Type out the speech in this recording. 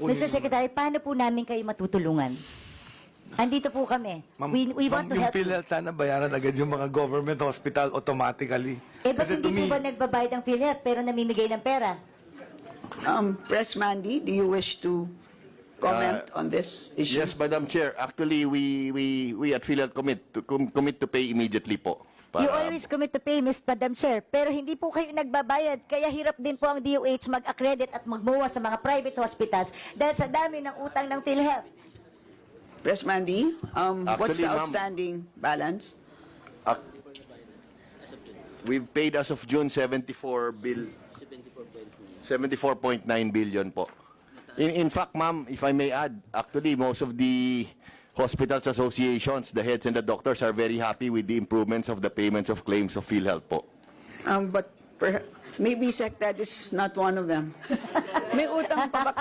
Mr. Secretary, paano po namin kayo matutulungan? Andito po kami. We want to yung help you. PhilHealth, sana bayaran agad yung mga government hospital automatically. Ba't Kasi hindi to po me, ba nagbabayad ng PhilHealth pero namimigay ng pera? Press Mandy, do you wish to comment on this issue? Yes, Madam Chair. Actually, we at PhilHealth commit to pay immediately po. You always commit to pay, Madam Chair, pero hindi po kayo nagbabayad. Kaya hirap din po ang DOH mag-accredit at magmuha sa mga private hospitals dahil sa dami ng utang ng PhilHealth. Press Mandy, what's Actually, the ma'am, outstanding balance? We've paid as of June 74.9 billion po. In fact, ma'am, if I may add, actually most of the hospitals associations, the heads and the doctors are very happy with the improvements of the payments of claims of PhilHealth po. But maybe SecTed is not one of them. May utang pa ba